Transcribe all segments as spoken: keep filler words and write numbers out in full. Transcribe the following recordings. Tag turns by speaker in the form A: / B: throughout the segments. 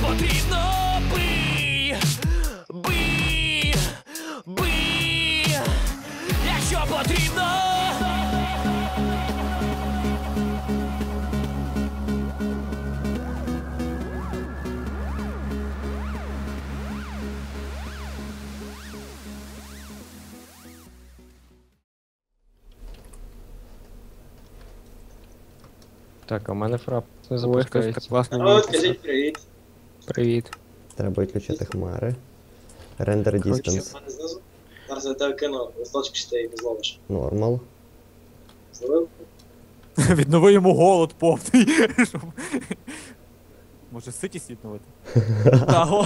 A: потрібно, бий, бий, бий, якщо потрібно.
B: Так, а в мене фрап не
C: Ой,
B: запускається.
C: так класно.
D: А от скажіть привіт.
C: Привіт.
E: Треба відключити хмари. Рендер
D: Що
E: distance
D: в мене знизу? Зараз я тебе кину, листочки чи ти їх не зловиш.
E: normal.
D: Зловив?
F: Віднови йому голод повний. Щоб- Може ситість відновити? Таго.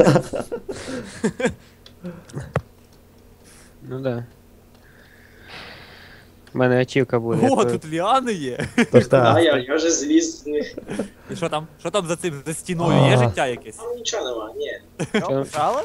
C: Ну да. У мене ачівка буде.
F: О,
C: то-
F: тут ліани є.
E: Тож
D: А,
E: так,
D: я, я вже зліз з них.
F: І що там? Що там за цим, за стіною? Є
E: А.
F: життя якесь?
D: Там нічого нема, ні.
F: Що, почали?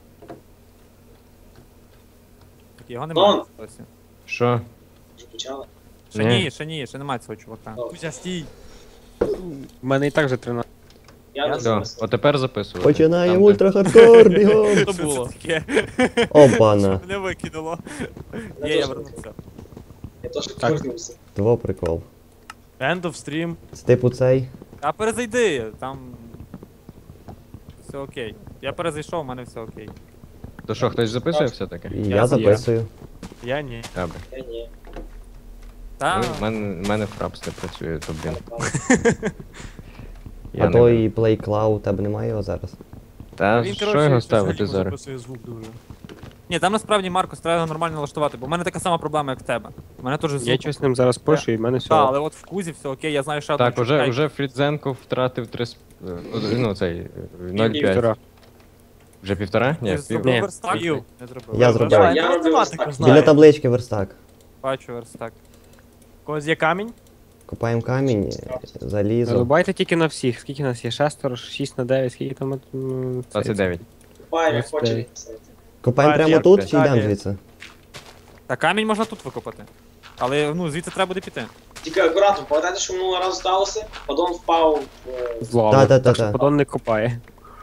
F: Так, його
D: Вон.
F: немає. досі.
B: Що?
D: Вже почали.
F: Ще
B: Ні.
F: ні, ще ні, ще немає цього чувака.
D: О.
F: Кузя, стій.
C: У мене і так вже тринадцять.
D: Я не
B: Да.
D: зараз.
B: От тепер записувати.
E: починаємо
B: Там, де-
E: ультрахардкор, бігом!
F: Що це
C: було?
F: таке?
E: Опана.
F: Мене викинуло.
D: Я
F: Є, я
D: теж
F: вернувся.
D: Я теж
C: Так.
D: повернувся.
E: Два прикол.
F: End of stream.
E: З типу цей.
F: А перезайди, там... Все окей. Я перезайшов, у мене все окей.
B: То що, хтось записує все-таки?
E: І
F: Я
E: я
C: за-
E: записую.
F: Я ні.
B: Добре.
D: Я ні.
F: Та,
B: Ну, в мене, в мене фрапс не працює, то блін. Я
E: А
B: не
E: той
B: беру.
E: Play Cloud, тебе немає його зараз?
B: Та
F: він,
B: що
F: коротше,
B: його
F: щось
B: ставити
F: альбом
B: зараз?
F: записує звук дуже. Ні, там насправді, Маркос, треба його нормально налаштувати, бо в мене така сама проблема, як в тебе. У мене теж звук.
C: Я щось ним зараз пишу і в мене все.
F: Так, але от в кузі все окей, я знаю, що
B: Так, уже, уже Фрідзенко втратив три... сп- е, Ну, цей, е, ноль п'ять.
C: Півтора.
B: Вже півтора? Ні,
F: Ти
B: пів.
F: зробив
C: Ні.
F: верстак?
C: Пів.
F: Не зробив.
E: Я зробив.
D: Я, я роблю ось так.
E: Біля таблички верстак.
F: Бачу верстак.
G: Когось є камінь?
E: Копаємо камінь, залізо.
C: Зарубайте тільки на всіх. Скільки нас є? Шестеро, шість на дев'ять, скільки там? м, цей-
B: двадцять дев'ять.
D: Купаємо,
C: Ось
D: хоче
C: цей.
D: відписати.
E: Копаємо
G: А,
E: прямо
G: як
E: тут
G: це?
E: чи йдемо
G: Камінь.
E: звідси?
F: Та камінь можна тут викопати. Але ну звідси треба буде піти.
D: Тільки акуратно, пам'ятаєте, що минулого разу сталося? Падон впав в...
C: З лави.
E: Та-та-та-та.
C: Так що подон не копає.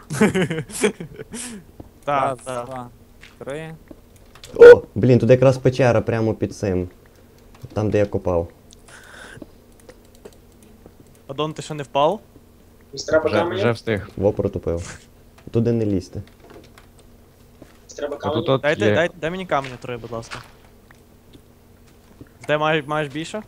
G: Так,
F: Раз,
G: так.
F: два, три.
E: О, блін, тут якраз печера прямо під цим. Там, де я копав.
G: Адон, ти ще не впав?
D: Мені треба
B: Вже,
D: каменю?
B: вже встиг.
E: Во протупив. Туди не лізти.
D: Мені треба
B: Отут
D: каменю?
B: от
G: Дайте,
B: є...
G: дай, дай мені каменю три, будь ласка. Ти маєш, маєш більше?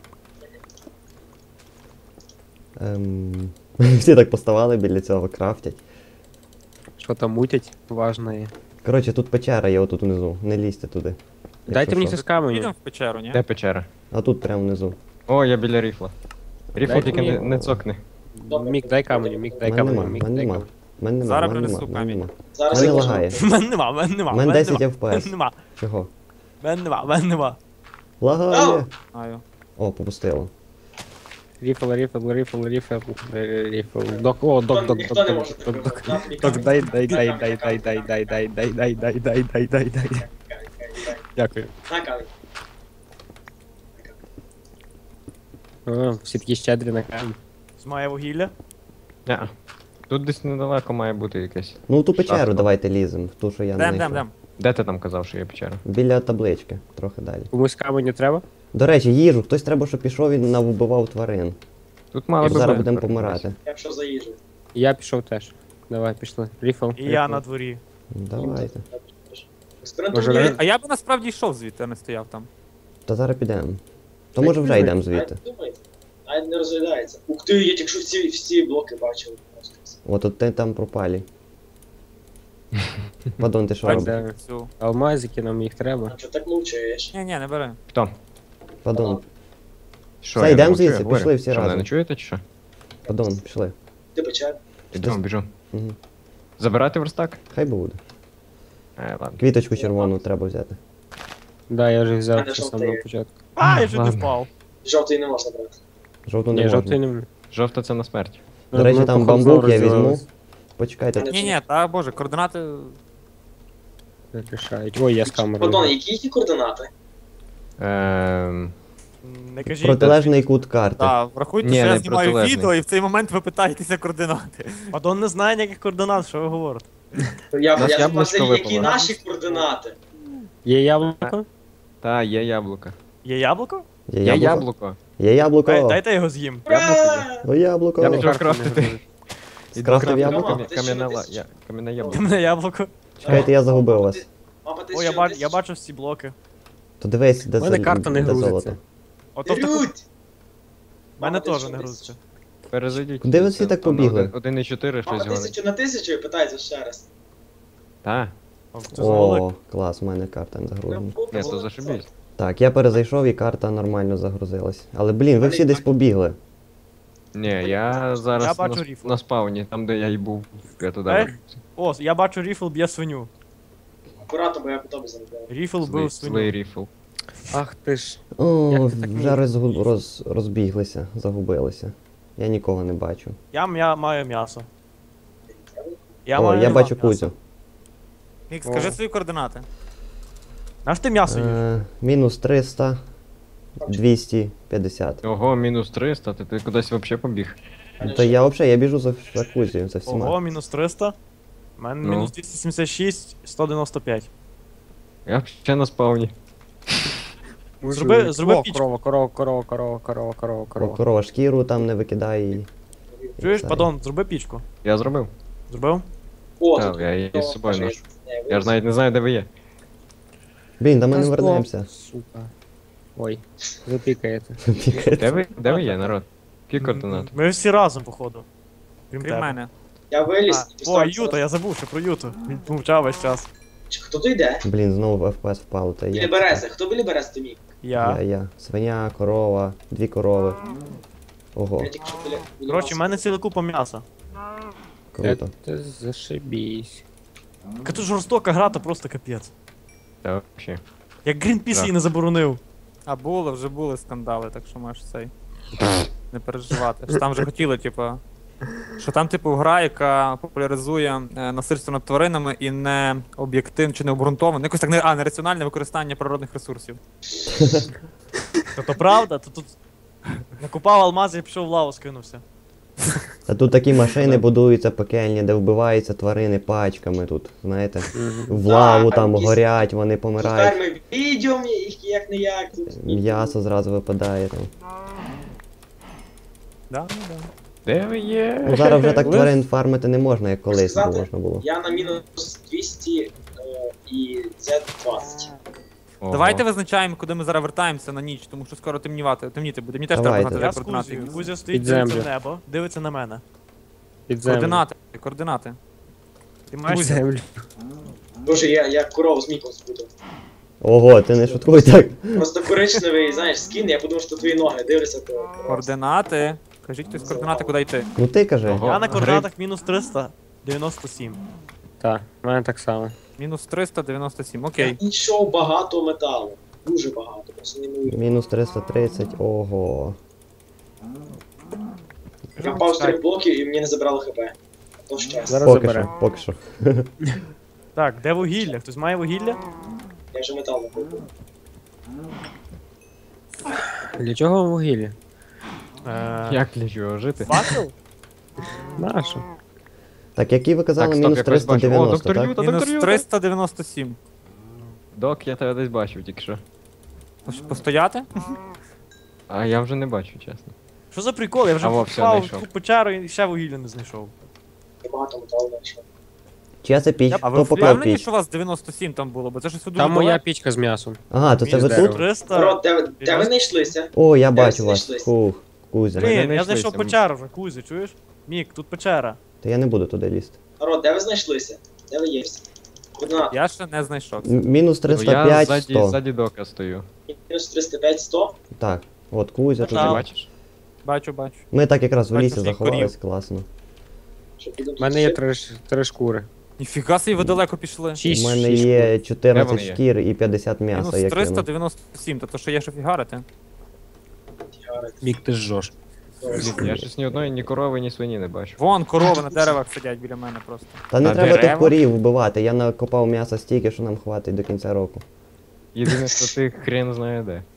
E: Ем... Всі так поставали біля цього, крафтять.
C: Що там мутять? Важно є.
E: Коротше, тут печера є отут внизу. Не лізьте туди.
C: Дайте
E: Якщо
C: мені
E: що.
C: це з каменю.
F: Підемо в печеру, ні?
B: Де печера?
E: А тут прямо внизу.
B: О, я біля ріфла. Ріфл
C: Дайте
B: тільки не,
C: мені-
B: не цокни.
D: Добре.
C: Мік, дай каменю, мік, дай
E: Мене
C: каменю,
E: нема,
C: мік,
E: мене
C: дай
E: нема.
C: каменю.
E: Мене нема,
F: Зараз
E: мене
F: принесу
E: нема, мене
F: камінь.
E: нема.
D: Зараз
E: Мене
D: я можу.
E: лагає.
G: Мене нема, мене нема.
E: Мене
G: мене
E: десять
G: нема,
E: еф пі ес.
G: Мене нема,
E: Чого?
G: мене нема, мене нема.
E: Лагає!
F: Знаю.
E: О, попустило.
C: Ріфл, ріфл, ріфл, ріфл, е, ріфл. Док, о, док,
D: Ніхто-
C: док,
D: Ніхто
C: док,
D: не
C: док,
D: може
C: док, док.
D: такого. На,
C: Док, дай, дай, дай, дай, дай, дай, дай, дай, дай, дай, дай, дай, дай, дай, дай. Дякую.
D: На камінь.
C: О, всі такі щедрі на камінь.
G: Має вугілля.
B: Ня. Тут десь недалеко має бути якесь.
E: Ну, в ту печеру
B: Шахта.
E: давайте ліземо, в ту, що я не
F: Дем, дем,
E: знайшов.
F: дем.
B: Де ти там казав, що є печера?
E: Біля таблички, трохи далі.
C: Комусь каменю треба?
E: До речі, їжу, хтось треба, щоб пішов і навбивав тварин.
B: Тут мало
E: Бо
B: би
E: зараз
B: бути
E: будемо
B: тепер
E: помирати.
D: Я пішов за їжу.
C: Я пішов теж. Давай, пішли. Ріфл.
G: І я на дворі.
E: Давайте.
D: Експериментуй.
C: Може,
F: А я б насправді йшов звідти, а не стояв там.
E: Та зараз підемо. То може вже йдемо звідти.
D: Навіть не розглядається. Ух ти, я тільки що всі, всі блоки бачив.
E: От от ти там пропалі. Падон, ти що
F: Бачиш?
E: робиш?
C: Де?
F: Цю.
C: Алмазики, нам їх треба.
D: А чого так мовчаєш?
F: Ні, ні, не бери.
B: Хто?
E: Падон,
B: Що,
E: Все,
B: я
E: йдемо
B: не мовчу, я
E: звідси,
B: говорю.
E: пішли всі
B: Що, мене
E: разом.
B: не чуєте чи що?
E: падон, пішли.
D: Ти печер?
B: Ідемо, біжу.
E: Угу.
B: Забирати верстак?
E: Хай буде.
B: Е, ладно.
E: Квіточку червону треба взяти.
C: Да, я вже взяв
D: Мене
C: ще з
D: жовтий.
C: самого початку.
G: А, я чуть не
B: ладно.
G: впав.
D: Жовтий не можна брати.
E: Жовту не
C: Ні, жовтий
E: можна.
C: не...
B: Жовта це на смерть.
E: До речі,
C: Ми,
E: там
C: походу,
E: бамбук я
C: знову
E: візьму.
C: розділились.
E: Почекайте.
F: Ні, ні, та боже, координати.
C: Рішають. Ой, я з камерою.
D: Падон, які ті координати?
B: Ем...
G: Не кажіть.
E: Протилежний кут карти.
F: Так, врахуйте,
B: Ні,
F: що я
B: не
F: знімаю
B: протилежний.
F: відео, і в цей момент ви питаєтеся координати.
G: Падон не знає ніяких координат, що ви говорите.
D: Я,
B: Нас
D: я
B: яблучко
D: запитав, які
B: випало.
D: наші координати?
C: Є яблуко?
B: Та, є яблуко.
G: Є яблуко?
E: Є
B: Є
E: яблуко?
B: яблуко.
E: Є яблуко.
G: Дай, дайте я його з'їм.
D: Ура!
E: О, яблуко.
B: Я пішов крафтити.
E: Скрафтив яблуко?
D: Мама, ти ще
B: Кам'яне
D: на
B: ла-
D: тисячу.
B: я- кам'яне
G: Де
B: яблуко.
G: мене яблуко?
E: Чекайте, я загубив вас.
D: Мама, ти
G: О, я,
D: ще
G: бач,
D: на
G: я
D: тисячу.
G: бачу всі блоки.
E: То дивись, де,
C: У мене
E: зол-
C: карта не
E: де
C: грузиться.
E: золото.
G: Ото в таку...
D: Рють!
G: В мене
D: Мама, ти
G: теж
D: що,
G: не
D: тисячу?
G: грузиться.
B: Перезайдіть.
E: Куди ви всі так
B: Там
E: побігли?
B: один і чотири
D: Мама,
B: щось гонить.
D: тисячу на тисячу і питається ще раз.
B: Та,
G: О, це золик.
E: О, клас, у мене карта не загружена.
B: ні, то зашибись.
E: Так, я перезайшов і карта нормально загрузилась. Але блін, ви всі десь побігли.
B: Ні, я зараз
G: Я бачу
B: на,
G: ріфл.
B: на спавні, там де я й був. Я туди.
G: Е?
B: вернувся.
G: О, я бачу ріфл б'є свиню.
D: Акуратно, бо я по тобі заробляю.
G: Ріфл
B: Злий,
G: бив
B: злий
G: свиню.
B: ріфл.
C: Ах ти ж.
E: О,
C: Як ти так
E: вже
C: міг?
E: роз, роз, розбіглися, загубилися. Я нікого не бачу.
G: Я, я маю м'ясо. Я
E: О,
G: маю
E: я
G: два
E: бачу
G: м'яса.
E: Кузю.
F: Мік, скажи свої координати.
G: Наш ти м'ясо їш?
E: Е, мінус триста, двісті п'ятдесят.
B: Ого, мінус триста, ти, ти кудись взагалі побіг.
E: Та я взагалі, я біжу за, за Кузю, за всіма.
G: Ого, мінус триста. У мене
B: Ну.
G: мінус двісті сімдесят шість, сто дев'яносто п'ять.
B: Я ще на спавні.
G: Зроби- зроби
C: О,
G: пічку.
C: корова, корова, корова, корова, корова, корова,
E: О,
C: корова.
E: корова шкіру там не викидай. і-
G: Чуєш,
E: Це.
G: падон, зроби пічку.
B: Я зробив.
G: Зробив?
D: О,
B: Так,
D: тут
B: я її з собою
D: Ні,
B: ношу.
D: ні,
B: Я ж навіть не знаю, де ви є.
E: Блін, да ми
C: Та
E: не
C: стоп,
E: вернемося.
C: Сука. Ой, запікаєте.
B: Де ви, де ви є, народ? Які координати?
G: Ми всі разом, походу. Крім
F: Крім
G: тебе.
F: мене.
D: Я виліз
G: А,
D: і
G: о,
D: поставив
G: Юта, я забув ще про Юту. Він мовчав весь час.
D: Чи Хто то йде?
E: Блін, знову еф пі ес впало. Та
D: Біля
E: я.
D: берези. Хто біля берези, то мій?
E: Я,
G: Я.
E: я. Свиня, корова, дві корови. Ого,
D: Я тільки що біля... біля
G: Коротше,
D: вас.
G: в мене ціла купа м'яса.
E: круто.
C: Ти зашибісь.
G: Яка тут жорстока гра, то просто капець.
B: Та взагалі.
G: Як Грінпіс
B: Так.
G: її не заборонив.
F: А було, вже були скандали, так що можеш цей. Не переживати. Що там вже хотіли, типу. Що там, типу, гра, яка популяризує е, насильство над тваринами і не об'єктивне чи не обґрунтоване. Якось так не, а, нераціональне використання природних ресурсів.
G: То то правда, то тут накупав алмази і пішов в лаву скинувся.
E: Та тут такі машини будуються пекельні, де вбиваються тварини пачками тут, знаєте. В лаву там
D: якісь-
E: горять, вони
D: Тут
E: помирають.
D: ферми відео, їх як не як. Тут
E: М'ясо зразу випадає там.
F: Да? Да.
B: Де ви є?
E: Ну зараз вже так тварин фармити не можна, як колись
D: Сказати?
E: можна було.
D: Я на мінус двісті е, і зет двадцять.
B: Ого.
F: Давайте визначаємо, куди ми зараз вертаємося на ніч, тому що скоро темнівати. Темніти буде. Мені теж треба
E: Давайте.
F: знати
G: Я
F: де
G: з
F: координати.
G: Кузею.
F: якісь.
G: Кузя стоїть,
C: Під
G: дивиться в
C: землю.
G: небо, дивиться на мене.
C: Під землю.
F: Координати, координати.
G: Ти
C: Під
G: маєш
C: землю.
D: Боже, я, я корову з міком спутав.
E: Ого, ти не шуткуй так.
D: Просто коричневий, знаєш, скін, я подумав, що твої ноги дивляться, то...
F: Координати. Кажіть хтось координати, куди йти.
E: Ну ти кажи.
B: Ого.
G: Я на
B: Гриб.
G: координатах мінус триста дев'яносто сім.
C: Так, в мене так само.
F: Мінус триста дев'яносто сім.
D: Я
F: Окей.
D: знайшов багато металу. Дуже багато, просто неймовірно.
E: Мінус триста тридцять, ого.
D: Я впав з трьох блоків і мені не забрало хп. То щастя.
C: Зараз
E: Поки
C: забере.
E: що, поки що.
G: Так, де вугілля? Хтось має вугілля?
D: Я вже метал накопив.
C: Для чого вам вугілля?
G: Е,
B: Як для чого жити?
G: Факел?
C: Нащо?
E: Так, які ви казали,
B: Так, стоп,
E: мінус
B: я когось бачу. О,
E: триста дев'яносто,
B: доктор
E: так?
B: Юта,
F: Мінус
B: доктор Юта.
F: триста дев'яносто сім.
B: Док, я тебе десь бачив тільки що.
F: Постояти?
B: А я вже не бачу, чесно.
G: Що за прикол? Я вже
B: А, во, все,
G: впав
B: знайшов.
G: в печеру і ще вугілля не знайшов.
D: Я багато металу знайшов.
E: Чия це піч?
F: А ви
E: Хто поклав
F: впевнені,
E: піч?
F: що у вас дев'яносто сім там було? Бо це щось дуже
C: Там моя
F: далеко.
C: пічка з м'ясом.
E: Ага, то це ви
C: Мінус
E: тут?
G: триста.
D: Народ, де, ви- де ви знайшлися?
E: О, я
D: Де
E: бачу
D: ви
E: вас.
D: знайшлись?
E: Фух, Кузя.
B: Блін.
G: Блін,
B: не
G: я
B: знайшлися.
G: знайшов печеру вже, Кузя, чуєш? Мік, тут печера.
E: Та я не буду туди лізти.
D: Народ, де ви знайшлися? Де ви є всі? Координати.
F: Я ще не знайшов.
E: М- Мінус
B: Ну, я
E: триста п'ять,
B: ззаді,
E: сто.
B: ззаді дока стою.
D: Мінус триста п'ять, сто.
E: Так, от Кузя
B: Ти
E: тут.
G: Так.
B: бачиш?
F: Бачу, бачу.
E: Ми так якраз в
F: Бачу
E: лісі
F: всіх
E: заховались, класно.
D: Щоб будемо
C: У мене є
D: тут
C: три, ш- три шкури.
F: Ніфіга собі ви далеко пішли.
C: Шість,
E: У мене
C: шість
E: є
C: шкур.
B: Де
E: чотирнадцять
B: вони є?
E: шкір і п'ятдесят м'яса,
F: Мінус
E: я
F: триста
E: кину.
F: дев'яносто сім, то що є що фігарити.
D: фігарити.
C: Мік, ти жжош.
B: Блін, я щось ні одної, ні корови, ні свині не бачу.
F: Вон корови на деревах сидять біля мене просто.
E: Та не
B: На
E: треба тих
B: дерева?
E: корів вбивати, я накопав м'яса стільки, що нам хватить до кінця року.
B: Єдине, що ти хрен знає де.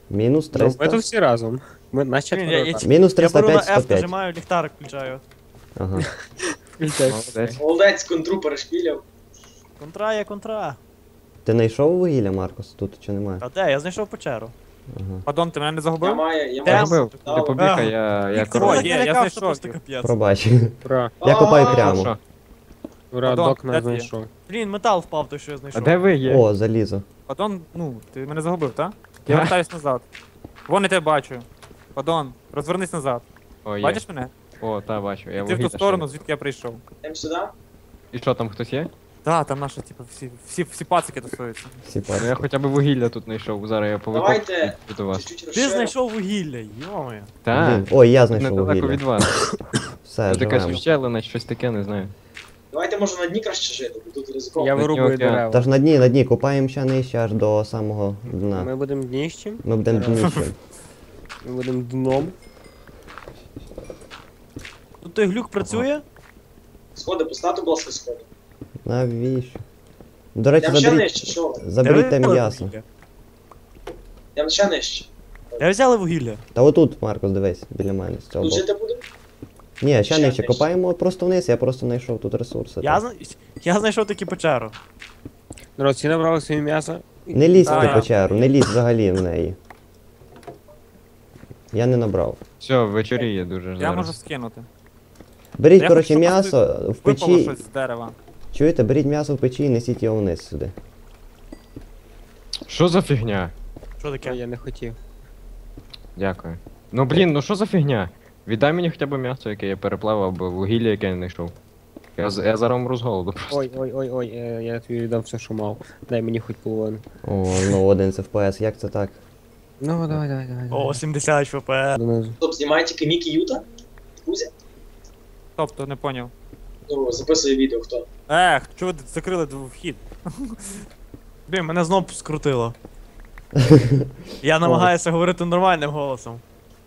E: Мінус
C: Ну, ми
E: триста.
C: тут всі разом. Ми на
G: Блін, я- я
C: четверо.
G: ці-
E: Мінус
G: Я
E: триста
G: беру на
E: п'ять, сто
G: F,
E: п'ять.
G: нажимаю, ліхтарик включаю.
E: Ага.
B: Молодець.
D: Молодець, контру перешпіляв.
G: Контра є контра.
E: Ти знайшов вугілля, Маркос, тут чи немає?
G: А де? Я знайшов печеру.
E: Ага.
F: Падон, ти мене не
D: Я
F: загубив?
D: маю, я
G: Де?
D: маю.
B: Загубив. Ти
D: Дав.
B: побігай, я, я
G: Ти
B: король.
G: мене
F: є, я
G: не лякав,
F: знайшов
G: що просто
F: їх.
G: капець.
E: Пробач.
C: Ура.
E: Я копаю
D: А,
E: прямо.
B: Що?
C: Ура,
F: Падон,
C: док
F: де
C: нас
F: ти є?
C: знайшов.
G: Блін, метал впав, той, що я
B: А
G: знайшов.
B: де ви є?
E: О, залізо.
F: Падон, ну, ти мене загубив, так? Я
B: Га?
F: вертаюсь назад. Вон я тебе бачу. Падон, розвернись назад.
B: О, є.
F: Бачиш мене?
B: О, та бачу. Я
F: Ти в
B: вугілля
F: ту сторону,
B: шарю.
F: звідки я прийшов.
D: Йдемо сюди.
B: І що, там хтось є?
F: Так, там наші, типу, всі, всі, всі пацики тусуються.
E: Всі
B: Ну я
E: пачки.
B: хоча б вугілля тут знайшов. Зараз я повикопаю
D: Давайте.
B: до вас.
D: Чуть-чуть
G: Ти
D: розширимо.
G: знайшов вугілля, йомаю.
B: Так,
E: Блін. Ой, я знайшов
B: недалеко
E: вугілля.
B: від вас.
E: Все,
B: Тут якась
E: живемо.
B: ущелина, щось таке, не знаю.
D: Давайте, може, на дні краще жити, бо тут ризиковано.
C: Я
B: Океан.
C: вирубую дерева.
E: Та ж на дні, на дні, копаємо ще нижче аж до самого дна.
C: Ми будемо дніщем,
E: Ми будемо дніщем.
C: ми будемо дном.
G: Тут той глюк працює?
D: Сходи, постати, будь ласка, сходи.
E: Навіщо? До речі,
D: Я ще
E: заберіть,
D: нижче, що ви?
E: заберіть
G: Де
E: те
G: ви взяли
E: м'ясо.
G: вугілля?
D: Я ще нижче.
G: Я взяли вугілля.
E: Та отут, Маркос, дивись, біля мене, з цього
D: Тут
E: боку.
D: жити будемо?
E: Ні, ще
D: ще
E: нижче,
D: нижче.
E: копаємо просто вниз, я просто знайшов тут ресурси.
G: Я,
E: так.
G: зна... я знайшов таки печеру.
C: Народ, всі набрали своє м'ясо.
E: Не лізь в
F: А,
E: ту
F: я-
E: печеру, не лізь взагалі в неї. Я не набрав.
B: Все, вечоріє дуже
F: Я можу
B: зараз.
F: скинути.
E: Беріть,
F: Я
E: коротше,
F: хочу, щоб
E: м'ясо в
F: Випало
E: печі.
F: щось з дерева.
E: Чуєте, беріть м'ясо в печі і несіть його вниз сюди.
B: Що за фігня?
G: Що
C: Ой,
G: таке?
C: я не хотів.
B: Дякую. Ну блін, ну що за фігня? Віддай мені хоча б м'ясо, яке я переплавав, або вугілля, яке я не знайшов. Я, з- я зараз умру з голоду просто.
C: Ой, ой, ой, ой, е, я тобі віддам все, що мав. Дай мені хоч половину.
E: О, ну один з еф пі ес, як це так?
C: Ну, давай, давай, давай.
G: О, сімдесят еф пі ес.
C: Донизу.
D: Стоп, знімає тільки Мікі Юта? Кузя?
F: Тобто, не поняв.
D: Ну, записує відео, хто.
F: Ех, чого ви закрили дв- вхід?
G: Блін, мене знов скрутило. Я намагаюся говорити нормальним голосом.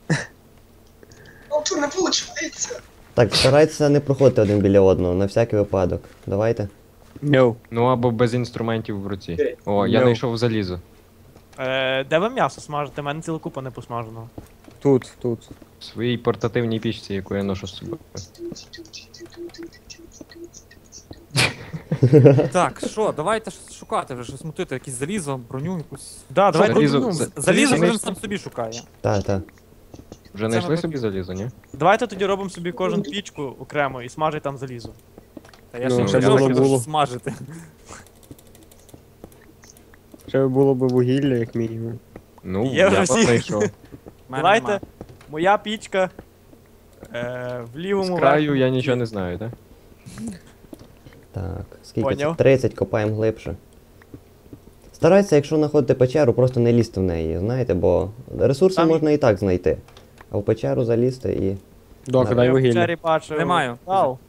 D: Ну, чого не виходить?
E: Так, старайтеся не проходити один біля одного, на всякий випадок. Давайте.
C: No.
B: Ну або без інструментів в руці.
D: Окей.
B: О, я
C: No.
B: знайшов залізо.
G: Е, де ви м'ясо смажите? У мене ціла купа не посмаженого.
C: Тут, тут.
B: В своїй портативній пічці, яку я ношу з собою.
F: Так, що, давайте ж шукати вже щось мутити, якесь залізо, броню якусь.
G: Да, давай
B: Залізо-
G: ну,
B: за-
F: Залізо
B: залізо
F: кожен
B: знайшли?
F: сам собі шукає.
E: Та, та.
B: Вже
F: Це
B: знайшли
F: ми
B: собі
F: поки-
B: залізо, ні?
G: Давайте тоді робимо собі кожен пічку окремо і смажить там залізо.
F: Та я
C: Ну,
F: ще
B: ще
F: не
B: було-
F: хочу
C: було.
F: смажити.
C: Ще було б вугілля, як мінімум.
B: Ну,
G: Є
B: я
G: вже
B: вас
G: всі.
B: знайшов.
F: Мене
G: Давайте,
F: нема.
G: моя пічка. Е, в
B: З
G: лівому
B: краю
G: верхньому
B: я нічого
G: куті.
B: не знаю, так?
E: Так, скільки
G: Поняв.
E: це? тридцять, копаємо глибше. Старайтеся, якщо знаходите печеру, просто не лізти в неї, знаєте, бо ресурси
G: Там-
E: можна і так знайти. А в печеру залізти і.
C: Док,
E: Да.
C: дай
G: Я в
C: вугілля.
G: печері бачив.
F: Не маю.
G: Тал.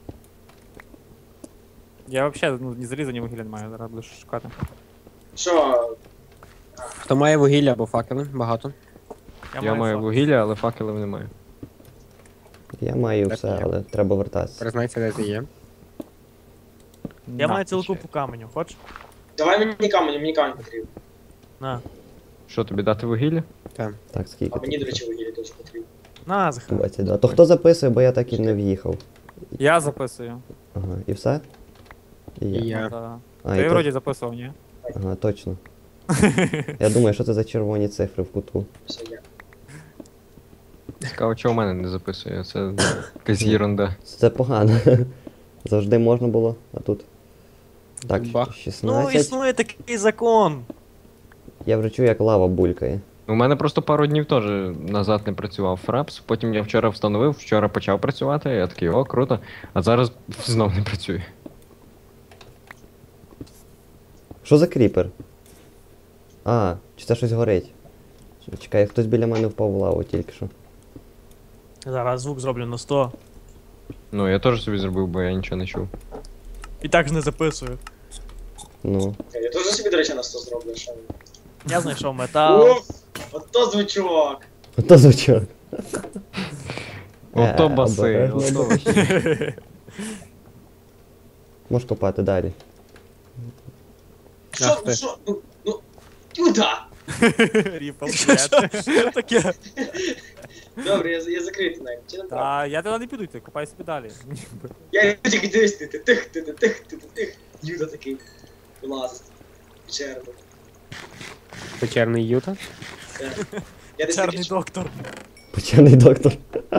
F: Я взагалі ну, ні заліза, ні вугілля не маю, зараз буду шукати.
D: Що,
C: Хто має вугілля або факели? Багато.
B: Я маю
G: факел.
B: вугілля, але факелів немає.
E: Я маю
C: Так,
E: все,
C: є.
E: але треба вертатися.
C: Признайся, де ти є.
G: Я
F: На,
G: маю цілу
F: ще.
G: купу каменю, хочеш?
D: давай мені камінь, мені камінь потрібен.
G: На.
B: Що, тобі дати вугілля?
E: Так, скільки?
D: А мені, до
E: тут?
D: речі, вугілля теж потрібно.
G: На, Захар.
E: двадцять два. То хто записує, бо я так і не в'їхав.
F: Я записую.
E: Ага, і все? І я.
C: І я.
F: Да.
E: А,
F: Ти
E: і то-
F: вроді записував, ні?
E: Ага, точно. Я думаю, що це за червоні цифри в кутку.
D: Все, я.
B: Цікаво, чого в мене не записує, це якась єрунда.
E: Це погано. Завжди можна було, а тут. Так,
C: Бах.
G: Ну,
E: шістнадцять.
G: існує такий закон.
E: Я вже чую, як лава булькає.
B: У мене просто пару днів теж назад не працював фрапс, потім я вчора встановив, вчора почав працювати, я такий, о, круто, а зараз знов не працює.
E: Що за кріпер? А, чи це щось горить? Чекай, хтось біля мене впав в лаву тільки що.
G: Зараз звук зроблю на сто.
B: Ну, я теж собі зробив, бо я нічого не чув.
G: І так ж не записую.
E: Ну.
D: Я теж собі, до речі, на сто зроблю, що.
G: Я знайшов метал.
D: Уф, ото звучок.
E: Ото звучок.
B: Ото
E: Е,
B: баси,
E: обережно.
B: ото вообще.
E: Можеш копати далі.
D: Що,
C: Ах ти.
D: що, ну, ну, Юда!
F: Ріпл,
G: Що що таке?
D: Добре, я, я закритий навіть. Чи не правда?
F: Та я туди не піду, ти копай собі далі.
D: Я тільки дивись, ти тих, ти тих, ти тих. Юда такий. Вилазить. Печерно.
C: Печерний Юта.
D: Я десь такий
G: Чарний доктор.
E: Почерний доктор.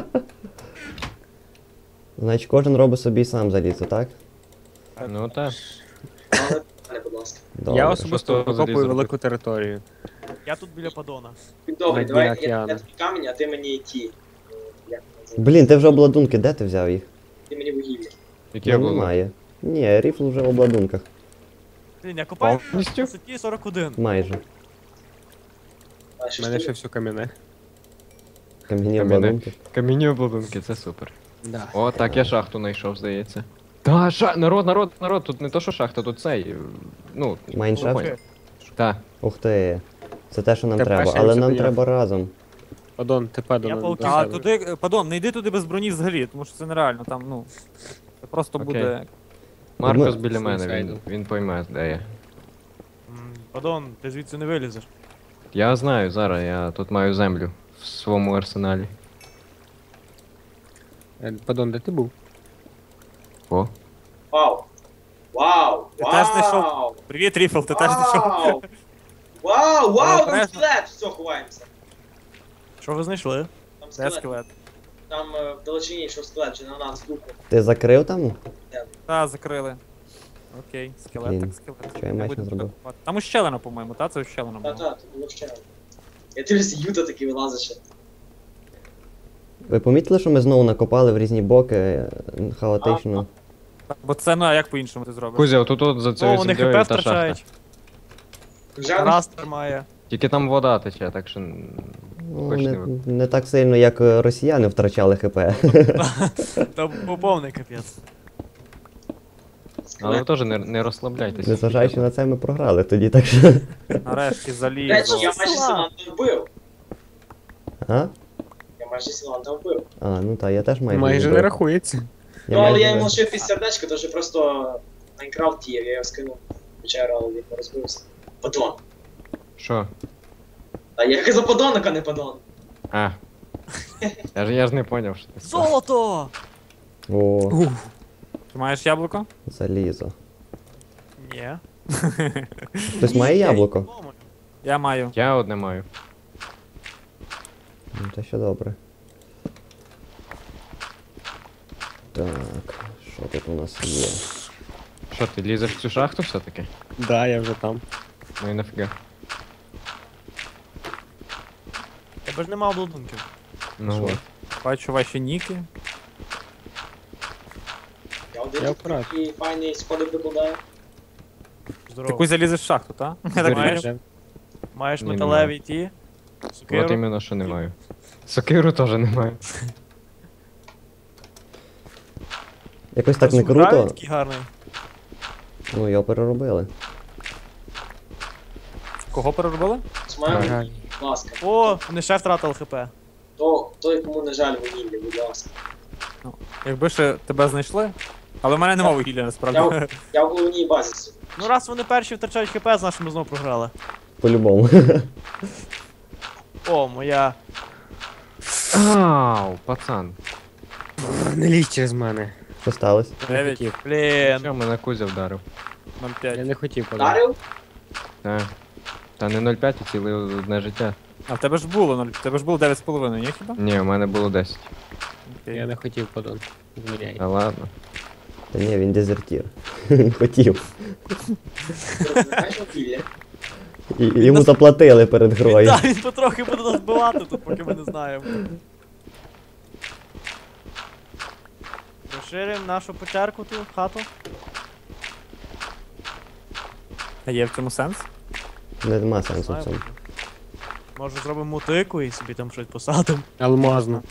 E: Значить, кожен робить собі сам залізо, так?
B: Ну так.
D: Але, не, будь ласка.
E: Добре.
C: Я особисто
B: Що
C: викопую
B: залізо
C: велику територію.
G: Я тут біля падона.
D: Добре,
C: На
D: давай
C: дні
D: я, я
C: океану.
D: тобі камінь, а ти мені ті. е, Як називається?
E: Блін, ти вже обладунки, де ти взяв їх?
D: Ти мені вугілля.
B: Яке
E: Ну,
B: було?
E: немає. Ні, ріфл вже в обладунках.
G: Блін, я копаю на
B: Повністю?
G: висоті сорок один.
E: Майже.
D: А
C: У
D: що
C: мене
D: ж
C: ще
D: ти?
C: все кам'яне.
E: Кам'яні
B: Кам'яне.
E: обладунки.
B: Камінні обладунки, це супер.
C: Да.
B: О, так, я шахту знайшов, здається. Та, ша... народ, народ, народ, тут не то, що шахта, тут цей. е, Ну,
E: Майншафт?
B: понял. Так.
E: Ух ти. Це те, що нам
C: Те
E: треба,
C: перше,
E: але
C: що
E: нам
C: я.
E: треба разом.
C: Падон, ти падон.
G: Я
C: до
G: пауки.
F: А
C: себе.
F: туди, е, падон, не йди туди без броні взагалі, тому що це нереально, там, ну. Це просто
B: Окей.
F: буде.
B: Маркос
E: Ми-
B: біля мене, він,
C: Суїсайду.
B: він пойме, де я.
G: М, Падон, ти звідси не вилізеш.
B: Я знаю, зараз я тут маю землю в своєму арсеналі.
C: Е, Падон, де ти був?
B: О.
D: Вау! Вау!
F: Ти теж знайшов?
D: Вау!
F: Привіт, Ріфл, ти теж знайшов.
D: Вау! Вау! Вау! Там
F: Обережно.
D: скелет! Все, ховаємося.
G: Що ви знайшли?
D: Там
F: Де
D: скелет.
F: скелет?
D: Там е, в далечині йшов скелет, чи на нас духу.
E: Ти закрив там?
F: Та, закрили. Окей, скелет,
E: Блін,
F: так скелет.
E: що я
F: Не
E: меч не
F: будемо
E: зробив?
F: копати. Там ущелина, по-моєму, та? Це ущелина була.
D: Та-та, тут було ще. Я дивлюся, Юта такий вилазить ще.
E: Ви помітили, що ми знову накопали в різні боки е, хаотично?
F: Бо це, ну а як по-іншому ти зробиш?
B: Кузя, отут от за
G: О,
B: цією
G: вони
B: землею
G: хп
B: та шахта.
G: втрачають.
D: Вже
G: Раз тримає.
B: Тільки там вода тече, так що.
E: Ну,
B: Хоч
E: не,
B: не ви-
E: не так сильно, як е, росіяни втрачали хп.
G: Та був повний капець.
B: Але ви
D: скелет.
B: теж не, не розслабляйтеся.
E: Незважаючи на це, ми програли тоді, так що.
F: Нарешті
D: До речі,
F: залізо.
D: я майже Сіланта вбив.
E: А?
D: Я майже Сіланта вбив.
E: А, ну так, я теж майже.
C: Майже
E: вбив.
C: не рахується.
E: Я
D: Ну, але
E: майже
D: я йому
E: не-
D: лишив під сердечко, то вже просто Майнкрафт тієв, я його скинув. Печеру, але він не розбився. Падон.
B: Що?
D: А я казав подонок, а не падон.
B: А. Я ж, я ж не поняв, що ти сказав.
G: Золото!
E: О,
F: Ти маєш яблуко?
E: залізо.
G: Ні.
E: Хтось має яблуко?
F: Я маю.
B: Я одне маю.
E: Ну, це ще добре. Так, що тут у нас є?
B: Що, ти лізеш в цю шахту все-таки?
C: Да, я вже там.
B: Ну і нафіга.
G: Тебе ж нема обладунків.
B: Ну
C: Що?
B: от.
F: Бачу ваші ніки.
D: Я один
C: Я
D: тут
C: вкрат.
D: такий файний сходи прикладаю.
F: Ти
G: Здорово.
F: кусь залізеш в шахту, та? Я так
G: Маєш?
F: бачу.
G: Маєш
B: Ні,
G: металеві ті.
B: От
G: Сокиру.
B: іменно, що не маю. Сокиру теж не маю.
E: Якось так не
G: Розсуждаю,
E: круто.
G: такий гарний.
E: Ну, його переробили.
F: Кого переробили?
D: З моєю,
C: Ага.
D: будь ласка.
G: О, вони ще втратили хп.
D: То, той, кому не жаль вугілля, будь ласка.
F: Якби ще тебе знайшли. Але в мене нема вугілля насправді.
D: Я, я в головній базі сиджу.
G: Ну раз вони перші втрачають хп, значить ми знову програли.
E: По-любому.
G: О, моя.
B: Ау, пацан.
C: Не лізь через мене.
E: Що сталося?
C: Я не
F: Дев'ять.
C: хотів.
G: Блін.
B: Що, мене Кузя вдарив.
F: нуль
C: Я
F: п'ять.
C: не хотів падон.
D: Дарив?
B: Та. Та не нуль п'ять, а ціле одне життя.
F: А в тебе ж було нуль. В тебе ж було дев'ять з половиною, ні хіба?
B: Ні, у мене було десять.
F: Окей.
C: Я не хотів падон. Звіряй.
B: Та ладно.
E: Та ні, він дезертір. Він хотів.
D: Ти знаєш вугілля?
E: І, і йому заплатили перед
G: Він,
E: грою.
G: да, він потрохи буде нас бивати тут, поки ми не знаємо. Розширимо нашу печерку ту, хату.
F: А є в цьому сенс?
E: Нема сенсу в
G: Знаю.
E: цьому.
G: Може зробимо мотику і собі там щось посадимо.
C: Алмазно.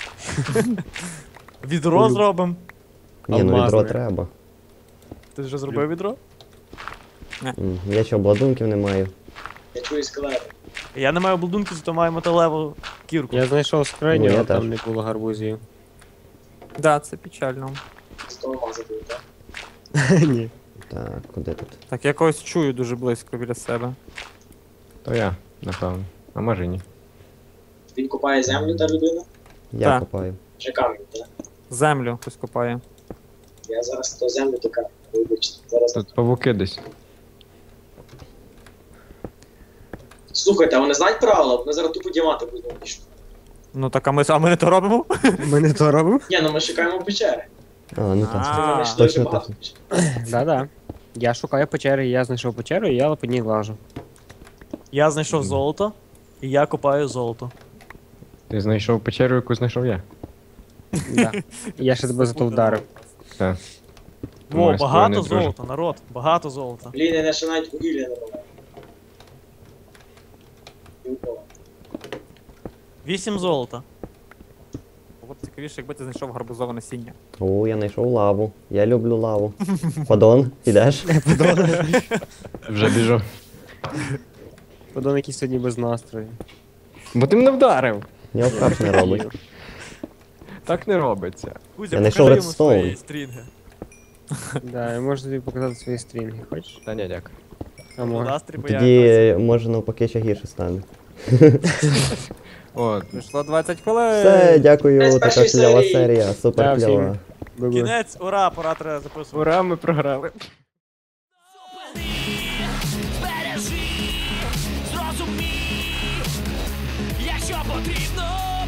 G: Відро
C: Люблю.
G: зробимо.
E: Ні, ну відро
C: Алмазне.
E: треба.
G: Ти вже зробив відро?
E: М, Я ще обладунків не маю.
D: Я чую скелети.
G: Я не маю обладунки, зато маю металеву кірку.
C: Я знайшов скриню,
E: Ну, я
C: а там
E: теж.
C: не було гарбузів.
F: Да, це печально.
D: З того мазати, так?
C: Ні.
E: Так, куди тут?
F: Так, я когось чую дуже близько біля себе.
B: То я. Напевно. А може ні.
D: Він копає землю та людина?
E: Я
F: Так.
E: копаю.
D: Чи камінь, так?
F: Землю хтось копає.
D: Я зараз то землю, то камінь. Вибачте. Зараз.
B: Тут павуки десь.
D: Слухайте, а вони знають правила? Вони зараз тупо діамати будуть пішли.
F: Ну так, а ми, а ми не то робимо?
C: Ми не то робимо?
D: Ні, ну ми шукаємо печери.
E: А, ну
F: А.
E: так.
D: Ми знайшли
E: точно,
D: дуже багато
E: точно.
D: печер.
C: Да-да. Я шукаю печери, я знайшов печеру, і я по ній лажу.
G: Я знайшов золото, і я копаю золото.
B: Ти знайшов печеру, яку знайшов я.
C: Да. І я ще тебе за то вдарив.
B: Так.
G: Во,
B: Моє
G: багато
B: спільне друже.
G: золота, народ, багато золота.
D: Блін, я ще навіть вугілля не маю.
G: Вісім золота.
F: Було б цікавіше, якби ти знайшов гарбузове насіння.
E: О, я знайшов лаву. Я люблю лаву. Подон, ідеш?
B: Вже біжу.
C: Подон якийсь сьогодні без настрою.
B: Бо ти мене вдарив.
E: Я вкап не робить.
B: Так не робиться.
G: Кузя,
E: Я знайшов
G: покажи йому
E: редстоун.
G: свої стрінги.
C: Да, я можу тобі показати свої стрінги, хочеш?
B: Та ні, дякую.
C: А може.
G: Настрій, бо я якось-
E: Тоді, може, навпаки, ще гірше стане.
B: О,
F: Прийшло двадцять хвилин.
E: Все, дякую,
D: З
E: така
D: першої
E: кльова
D: серії.
E: серія,
C: Да,
E: супер
C: всім.
E: кльова.
C: Бу-бу.
G: Кінець, ура, пора треба записувати.
B: ура, ми програли.
A: Збережи, зрозумій, якщо потрібно.